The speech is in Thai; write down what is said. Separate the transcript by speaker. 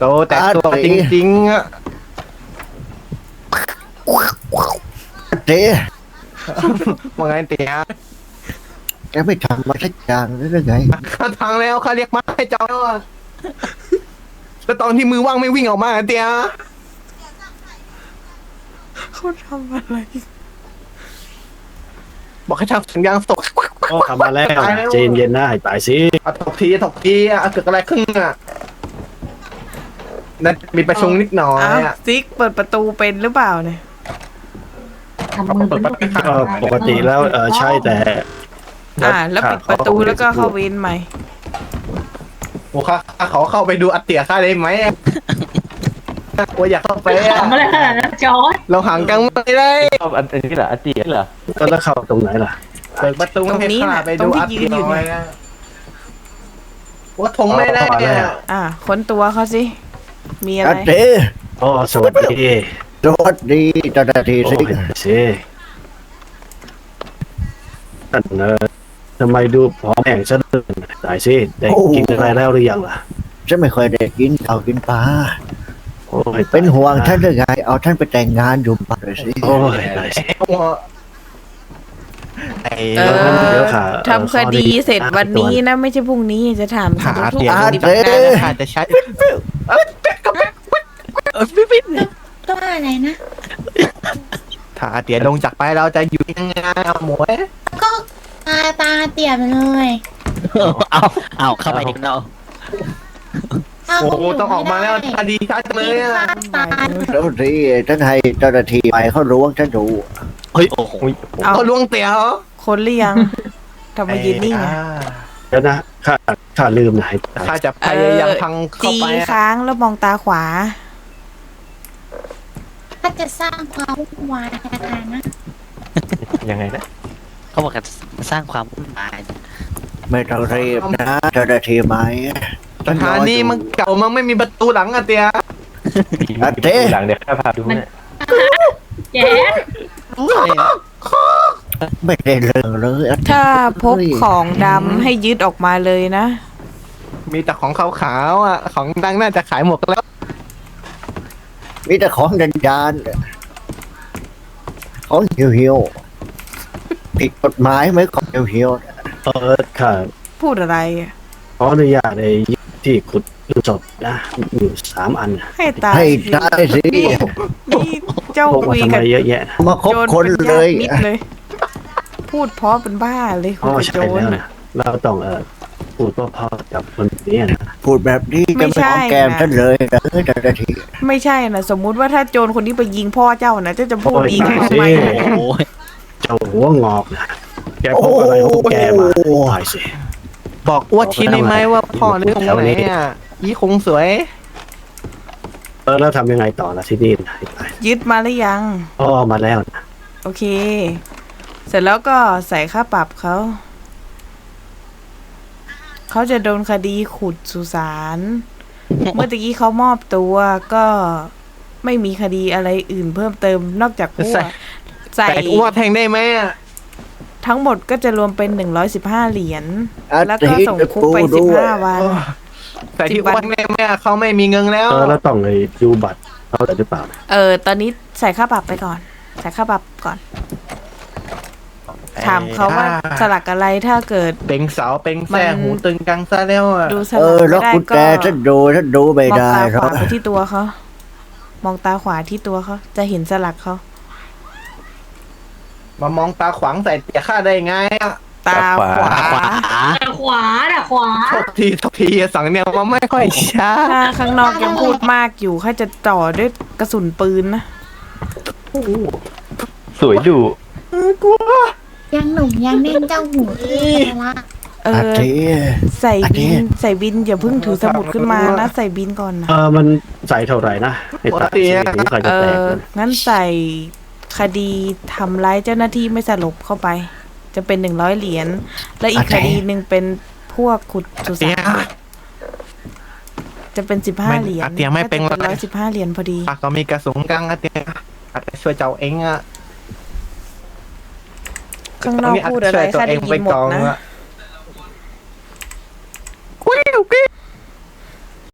Speaker 1: โตแต่ตัวจริงๆอะ
Speaker 2: เจ๊
Speaker 1: ว่าไงเตี๋ย
Speaker 2: แกไม่ทำมาสักอย่างหรือไง
Speaker 1: ข้าทางแล้วข้าเรียกมาให้เจ้าแล้วอะแล้วตอนที่มือว่างไม่วิ่งออกมาเตี๋ย
Speaker 3: เขาทำอะไร
Speaker 1: บอกให้ทำสัญญาณตก
Speaker 4: ก็ทำมาแล้วใจเย็นๆนะให้ตายสิ
Speaker 1: เอาถกทีอะเกิดอะไรขึ้นอะนั่นมีประชุมนิดหน่อย
Speaker 3: อ้าว
Speaker 1: อะ
Speaker 3: ซิกเปิดประตูเป็นหรือเปล่าเนี่ย
Speaker 5: ทำมือเป็นลูกเป็น
Speaker 4: ก็ปกติแล้วใช่แต่
Speaker 3: แล้วปิดประตูแล้วก็เข้าเวนใหม่
Speaker 1: โอ้ข้าขอเข้าไปดูอัตเตี๋ยข้าได้ไหมว่าอยากเข้าไปอะ
Speaker 5: ทำอะไรขนาดนั้นจอร์ด
Speaker 1: เราห่างกันไม่ได้
Speaker 6: ชอบอันนี้เหรออาเจียเหรอ
Speaker 4: ก็แล้วเข้าตรงไหนล่ะ
Speaker 1: เปิดประตูให้ข้าไปดูอัตเตี๋ยหน่อยอะว่าทงไม่ได้เนี่ย
Speaker 3: ค้นตัวเขาสิ มีอะไร
Speaker 2: เจ๊
Speaker 4: อ๋อสวัสดี
Speaker 2: สวัสดีเจ้าหน้าที่
Speaker 4: โอ้
Speaker 2: สิ
Speaker 4: ยสิท่านทำไมดูผอมแห้งซะเลยตายสิได้กินอะไรแล้วหรือยังล่ะ
Speaker 2: ฉันไม่ค่อยได้กินข้าวกินปลา
Speaker 4: โอ้ย
Speaker 2: เป็นห่วงท่านหรือไงเอาท่านไปแต่งงานอยู่บ้านเลยสิ
Speaker 4: โอ้ยตายสิ
Speaker 3: เออ
Speaker 4: เดี๋ยวค่ะ
Speaker 3: ทำคดีเสร็จวันนี้นะ ไม่ใช่พรุ่งนี้จะถาม
Speaker 1: หา
Speaker 3: ทุก
Speaker 1: เตี๋ย
Speaker 3: ๆปฏิบั
Speaker 1: เจ๊
Speaker 3: ติการ
Speaker 1: อาจจะใช้
Speaker 5: ตัวอะไรนะ
Speaker 1: ถ้าอาเตี๋ยลงจากไปเราจะอยู่ยังไงเอาหมวย
Speaker 5: ก็ตาเตี่ยไปเลย
Speaker 6: เอาเข้าไปดิเนาะ
Speaker 1: โอ้โหต้องออกมาแล้วคดีชัดเลยอะ
Speaker 5: ตาย
Speaker 2: แล้วสิท่านให้เจ้าหน้าที่ไปเขาล้วงฉันดู
Speaker 6: เฮ้ยโอ้โห
Speaker 3: เอา
Speaker 1: เขาล่วงเตี๋ยเหรอ
Speaker 3: คนหรือยังทำไมยืนนิ่งอ่ะ
Speaker 4: เดี๋ยวนะข้าลืมนะให้ตาย
Speaker 1: ข้าจะพยายามพังเข้า
Speaker 3: จี
Speaker 1: ไปอะ
Speaker 3: ค้างแล้วมองตาขวา
Speaker 5: ถ้าจะสร้างความวุ่นวายในอาคารนะ
Speaker 6: ยังไงนะเขาบอกกันสร้างความวุ่นวาย
Speaker 2: ไม่ต้องรีบนะเจ้าหน้าที่ไหม
Speaker 1: สถานีมันเก่ามันไม่มีประตูหลังอะเตี๋ย
Speaker 2: เจ๊
Speaker 6: หลังเดี๋ยวข้าพาดูเนี่ย
Speaker 5: แจ๊ด
Speaker 2: ไม่ได้เรื่องเลย
Speaker 3: ถ้าพบของดำให้ยึดออกมาเลยนะ
Speaker 1: มีแต่ของขาวๆอะของดังน่าจะขายหมดแล้ว
Speaker 2: มีแต่ของดานๆของเหี่ยวๆผิดกฎหมายไหมของเหี่ยว
Speaker 4: ข้า
Speaker 3: พูดอะไรอะ
Speaker 4: ขออนุญาตในที่ขุดศพนะอยู่3 อัน
Speaker 3: ให้
Speaker 2: ๆ
Speaker 3: ตาย
Speaker 2: ให้ได้สิ
Speaker 3: นี่เจ้า
Speaker 4: พก
Speaker 3: คุ
Speaker 4: มาย ทำไม
Speaker 3: กับ
Speaker 4: เยอะแยะนะ
Speaker 2: มาคบ
Speaker 3: โจร
Speaker 2: คน
Speaker 3: เป็น
Speaker 2: เล
Speaker 3: ญาย ติมิตรเลย พูดเพราะเป็นบ้าเลยคุ
Speaker 4: อ๋
Speaker 3: ย
Speaker 4: อ
Speaker 3: กับ
Speaker 4: ใช่
Speaker 3: โจร
Speaker 4: แล้ว
Speaker 3: น่ะ
Speaker 4: นะเราต้องพูดเพราะๆกับคนนี้นะ
Speaker 2: พูดแบบนี้
Speaker 3: ไม่
Speaker 2: จะไม่
Speaker 3: ใช่
Speaker 2: หอมแก้ม
Speaker 3: นะ
Speaker 2: ท่านเลยนะเจ้าหน้าที่
Speaker 3: ไม่ใช่นะสมมุติว่าถ้าโจรคนนี้ไปยิงพ่อเจ้านะเจ้าจะพูดดีกับเขาไหม
Speaker 6: โอ้ย
Speaker 4: เจ้าหัวงอกนะแกพกอะไรของแกมาตายสิ
Speaker 1: บอกอ้วทีได้ไหมว่าพ่อเรื่องไหนอะยี่คงสวย
Speaker 4: แล้วทำยังไงต่อละที่นี่นะให้ตาย
Speaker 3: ยึดมาหรือยัง
Speaker 4: อ๋อมาแล้วนะ
Speaker 3: โอเค เสร็จแล้วก็ใส่ค่าปรับเขา เขาจะโดนคดีขุดสุสานเมื่อตะกี้เขามอบตัวก็ไม่มีคดีอะไรอื่นเพิ่มเติมนอกจากพวกใส่
Speaker 1: แต่อ้วแทงได้ไหมอะ
Speaker 3: ทั้งหมดก็จะรวมเป็น115 เหรียญ แล้วก็ส่งคุกไป
Speaker 2: ด้วย
Speaker 3: 15 วัน
Speaker 1: แต่ที่อ้วได้ไหมอะเขาไม่มีเงินแล้ว
Speaker 4: แล้วต้องไปดูบัตรเขาหรือเปล่า
Speaker 3: ตอนนี้ใส่ค่าปรับไปก่อน ใส่ค่าปรับก่อน ถามเขาว่าสลักอะไรถ้าเกิด
Speaker 1: เป็งเสาเป็งแซ่
Speaker 3: มัน
Speaker 1: หูตึงกังซะแล้วอะ
Speaker 3: ดูสลัก
Speaker 2: แล้
Speaker 3: ไม่
Speaker 2: ว
Speaker 3: ได้
Speaker 2: กุญ
Speaker 3: ก็
Speaker 2: แจท่านดูไม่
Speaker 3: มอง
Speaker 2: ได้
Speaker 3: ตาข
Speaker 2: ครั
Speaker 3: วา
Speaker 2: บ
Speaker 3: ไปที่ตัวเขา มองตาขวาที่ตัวเขาจะเห็นสลักเขา
Speaker 1: มามองตาขวางใส่เตี๋ยข้าได้ไงอะ
Speaker 3: ตาขวา
Speaker 5: แต่ขวาแต่ขวา
Speaker 1: โทษทีสั่งเนี่ยมันไม่ค่อยช้า
Speaker 3: ถ้าข้างนอกยังพูดมากอยู่ข้าจะจ่อด้วยกระสุนปืนนะ
Speaker 6: สวยดุ
Speaker 5: ยังหนุ่มยังเน่นเจ้าหูละ
Speaker 2: อาทิ
Speaker 3: ใส่
Speaker 2: อันนี้
Speaker 3: บินอย่าเพิ่งถือสมุดขึ้นมานะ ใส่บินก่อนนะ
Speaker 4: มันใส่เท่าไหร่นะให้ตายสิถึงใครจะแตกนะ
Speaker 3: งั้นใส่คดีทำร้ายเจ้าหน้าที่ไม่สลบเข้าไป จะเป็น100 เหรียญ และอีกคดีหนึ่งเป็นพวกขุดสุสานจะเป็น15 เหรียญ
Speaker 1: เตี๋ยไม่เป็น
Speaker 3: ก็จะ115 เหรียญพอดี
Speaker 1: ปากก็มีกระสุนกังอะเตี๋ยอาจจะช่วยเจ้าเองอะ
Speaker 3: ข้างนอกพูดอะไรข้าได้ยินหมดนะ
Speaker 1: ช่วยตัวเองไปก่อน